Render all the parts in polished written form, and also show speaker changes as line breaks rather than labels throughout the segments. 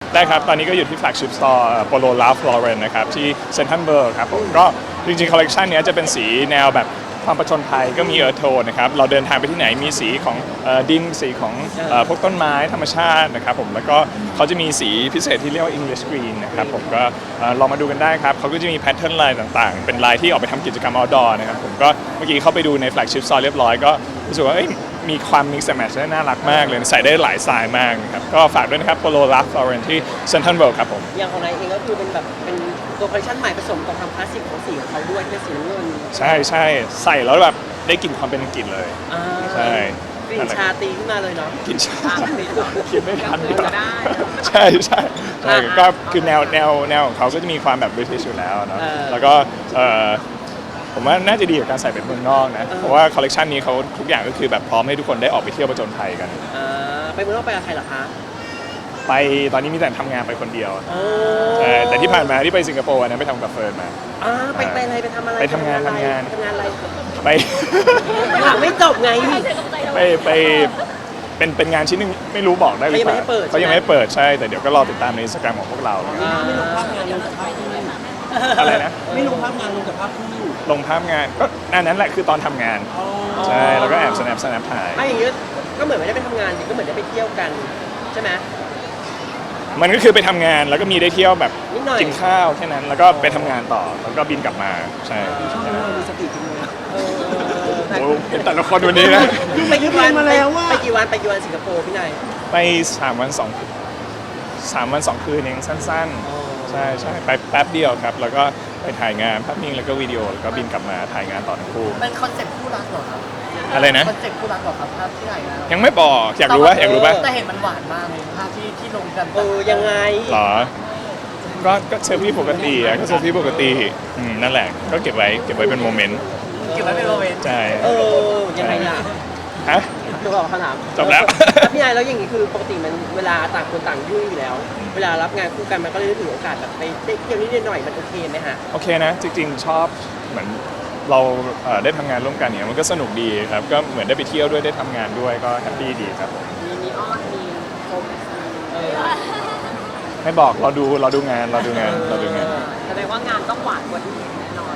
ได้ครับตอนนี้ก็อยู่ที่ flagship store Polo Ralph Lauren นะครับที่ Central World ครับผมก็จริงๆคอลเลกชันนี้จะเป็นสีแนวแบบความประชนภัยก็มีเอิร์ธโทนนะครับเราเดินทางไปที่ไหนมีสีของดินสีของพวกต้นไม้ธรรมชาตินะครับผมแล้วก็เขาจะมีสีพิเศษที่เรียกว่า English Green นะครับผมก็ลองมาดูกันได้ครับเขาก็จะมีแพทเทิร์นลายต่างๆเป็นลายที่ออกไปทำกิจกรรม outdoor นะครับผมก็เมื่อกี้เข้าไปดูใน flagship store เรียบร้อยก็รู้สึกว่ามีความ mix and match ได้น่ารักมากเลยใส่ได้หลายสไตล์มากนะครับก็ฝากด้วยนะครับ Polo Ralph Lauren ที่ Central World ครับผม
อย่างของนายเองก็คือเป็นแบบเป็นตัวคอลเลคชันใหม่ผสมกับความคลาสสิกของสีของเขาด้วยที่เป็นสีน้ำเงิน
ใช่ใช่ใส่แล้วแบบได้กลิ่นความเป็นอังกฤษเลยใช่
กลิ่นชาตีขึ้นมาเลยเนาะ
กลิ่นชากินไม่ทัน
จะได้
ใช่ใช่ก็คือแนวของเขาก็จะมีความแบบ British อยู่แล้วเนาะแล้วก็ผมว่าน่าจะดีกับการใส่เป็นเมืองนอกนะเพราะว่าคอลเลกชันนี้เขาทุกอย่างก็คือแบบพร้อมให้ทุกคนได้ออกไปเที่ยวผจญภัยกัน
ไปเมืองนอกไปกับใครเหรอคะ
ไปตอนนี้มีแต่ทำงานไปคนเดียวใช่แต่ที่ผ่านมาที่ไปสิงคโปร์นะไปทำกับเฟิร์นมา
ไปอะไรไปทำอะไร
ไปทำงาน
อะไร
ไป
ไม่จบไง
ไปเป็นงานชิ้นนึงไม่รู้บอกได้หรือเปล่าเขายังไม่เปิดใช่แต่เดี๋ยวก็รอติดตามใน Instagram ของพวกเรา
ไม่ลงภาพงานลงกับภาพคู่
อะไรนะ
ไม่ลงภาพงานลงกับภาพคู่
ลงภาพงานก็นั่นแหละคือตอนทำงานใช่แล้วก็แอบสแนปถ่าย
ไม่อย่างเงี้ยก็เหมือนไม่ได้ไปทำงานก็เหมือนได้ไปเที่ยวกันใช่ไหม
มันก็คือไปทำงานแล้วก็มีได้เที่ยวแบบกินข้าวแค่นั้นแล้วก็ไปทำงานต่อแล้วก็บินกลับมาใช่
ช่วงนี้เรามีสติจริงเลย
โอ้เห็นแต่ละคนวันนี้นะ
ไปกี่วันมาแล้วว่าไปกี่วันสิงคโปร์พี่นาย
ไป3 วัน2 คืนเองสั้นๆใช่ไปแป๊บเดียวครับแล้วก็ไปถ่ายงานภาพนิ่งแล้วก็วิดีโอแล้วก็บินกลับมาถ่ายงานต่อทั้งคู่
เป็นคอนเซ็ปต์คู่รักเหรอครับ
อะไรนะ
คอนเซ็ปต์คู่รักเหรอครับภาพที่ถ่ายงาน
ยังไม่บอกอยากรู้ป่ะ
แต่เห็นมันหวานมากเลยภาพที่ลงกันยังไง
หรอก็เซลฟี่ปกติก็เซลฟี่ปกตินั่นแหละก็เก็บไว้เป็นโมเมนต์ใช่
ยังไงล่ะ
ฮะ
จบแล้วคำถาม
จบแล้ว
พี่นายแล้วอย่างนี้คือปกติมันเวลาต่างคนต่างยุ่งอยู่แล้วเวลารับงานคู่กันมันก็เลยถือโอกาสแบบไปเที่ยวนิดหน่อยมันโอเคไหมฮะ
โอเคนะจริงๆชอบเหมือนเราได้ทำงานร่วมกันเนี่ยมันก็สนุกดีครับก็เหมือนได้ไปเที่ยวด้วยได้ทำงานด้วยก็แฮปปี้ดีครับ
มีอ้อนมีชม
ไม่บอกเราดูงาน
แสดงว่างานต้องหวานกว่าที่แน่นอน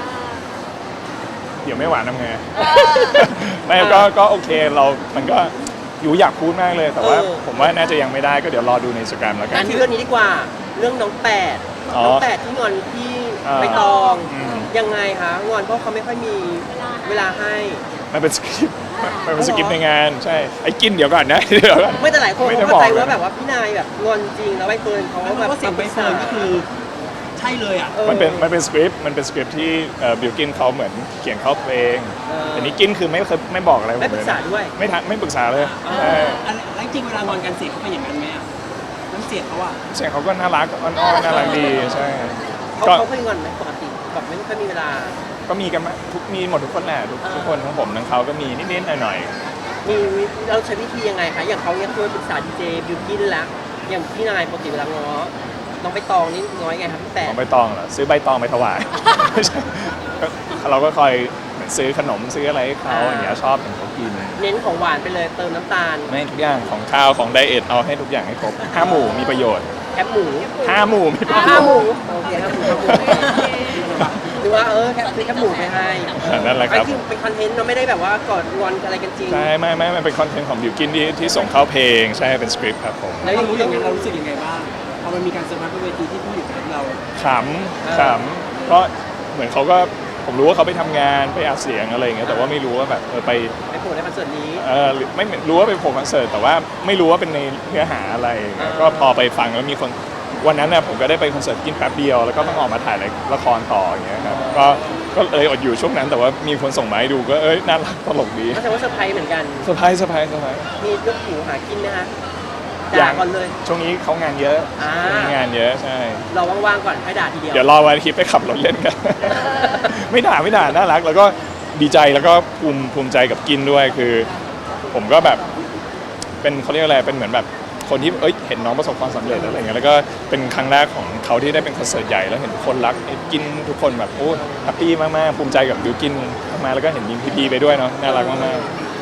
เดี๋ยวไม่หวานทำไงไม่ก็โอเคมันก็อยู่อยากพูดมากเลยแต่ว่าผมว่าน่าจะยังไม่ได้ก็เดี๋ยวรอดูใน Instagram แล้วกัน
ที่เรื่องนี้ดีกว่าเรื่องน้องแปดที่งอนพี่ใบตองยังไงคะงอนเพราะเขาไม่ค่อยมีเวลาให้
มันเป็นสคริปต์ในงานใช่ไอ้กินเดี๋ยวก่อนนะ
ไม่แต่หลายคนเข้าใจว่าแบบว่าพี่นายแบบงอนจริงแล้วใบเฟิร์นเขาแบบ
เสียงใบเฟิร์นก็คือใช่เลยอ่ะ
มันเป็นสคริปต์ที่บิลกินเขาเหมือนเขียนเข้าเพลงแต่นี้กินคือไม่บอกอะไรผมเลย
ไม่ปรึกษาด้วย
ไม่ปรึกษาเลย
แล้วจริงเวลางอนกันเสียงเขาเป็นอย่างนั้นไหมอ่ะน้ำเสียงเขาอ่ะ
เสียงเขาก็น่ารักอ้อนน่ารักดีใช่
เขาเคยงอนไหมปกติแบบไม่ค่อยมีเวลา
ก็มีกันมีหมดทุกคนแหละทุกคนทั้งผมทั้งเขาก็มีนิดๆหน่อย
ๆมีเราใช้วิธียังไงคะอย่างเขาเนี่ยเคยปรึกษาดีเจบิวกินแล้วอย่างพี่นายปกติเวลาง้อน้องใบตองนี่ง้อไงครับพี่แปะ
น้องใบตองเหรอซื้อใบตองไปถวายเราก็คอยซื้อขนมซื้ออะไรให้เขาอย่างเงี้ยชอบเขากิน
เน้นของหวานไปเลยเติมน้ำตาล
ไม่ทุกอย่างของข้าวของไดเอทเอาให้ทุกอย่างให้ครบ5 หมู่มีประโยชน์
5 หมู่
5 หมู่มีประโยชน์
5 หมู่โอเค5 หมู่หรือว่าแค่หมู่ไปให้
นั่นแหละครับ
เป็นคอนเทนต์เราไม่ได้แบบว่ากอดงอนอะไรกันจริง
ใช่ไม่มันเป็นคอนเทนต์ของบิวกินที่ส่งเข้าเพลงใช่เป็นสคริปต์ครับผม
แล้วอย่างนี้เรารู้สึกยังไงบ้างพอมันมีการเซอร์ไพรส์บนเวทีที่ผู้หญิงเรา
ขำก็เหมือนเขาก็ผมรู้ว่าเขาไปทำงานไปอัดเสียงอะไรอย่างเงี้ยแต่ว่าไม่รู้ว่าแบบไป
โผล่ในคอนเสิร์ตนี้
ไม่รู้ว่าไปโผล่คอนเสิร์ตแต่ว่าไม่รู้ว่าเป็นในเนื้อหาอะไรก็พอไปฟังแล้วมีคนวันนั้นน่ะผมก็ได้ไปคอนเสิร์ตกินแป๊บเดียวแล้วก็ต้องออกมาถ่ายละครต่ออย่างเงี้ยครับก็เลยอดอยู่ช่วงนั้นแต่ว่ามีคนส่งมาให้ดูก็น่ารักตลกดี
ก็แสดงว่าเซอร์ไพรส์เหมือนกัน
เซอร์ไพรส์
มียกหูหากินนะฮะด่าก่อนเลย
ช่วงนี้เขางานเยอะมีงานเยอะใช่
เราว่างๆก่อนให้ด่าทีเดียว
เดี๋ยวรอวันอาทิตย์ไปขับรถเล่นกันไม่ด่าน่ารักแล้วก็ดีใจแล้วก็ภูมิใจกับกินด้วยคือผมก็แบบเป็นเขาเรียกอะไรเป็นเหมือนแบบคนที่เห็นน้องประสบความสำเร็จอะไรเงี้ยแล้วก็เป็นครั้งแรกของเขาที่ได้เป็นคอนเสิร์ตใหญ่แล้วเห็นทุกคนรักกินทุกคนแบบโอ้แฮปปี้มากๆภูมิใจกับบิวกินมาแล้วก็เห็นมีพีไปด้วยเนาะน่ารักมากๆ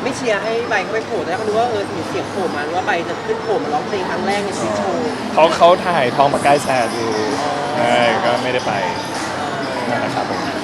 ไม่เชียร์ให้ใบเขาไปโผล่แล้วก็ดูว่าเสียงโผล่มาหรือว่าใบจะขึ้นโผล่มาร้องเพลงครั้งแรกในชีวิตโชว์
เขาถ่ายทองประกายแสดอยู่ใช่ก็ไม่ได้ไปนั่นแหละครับผม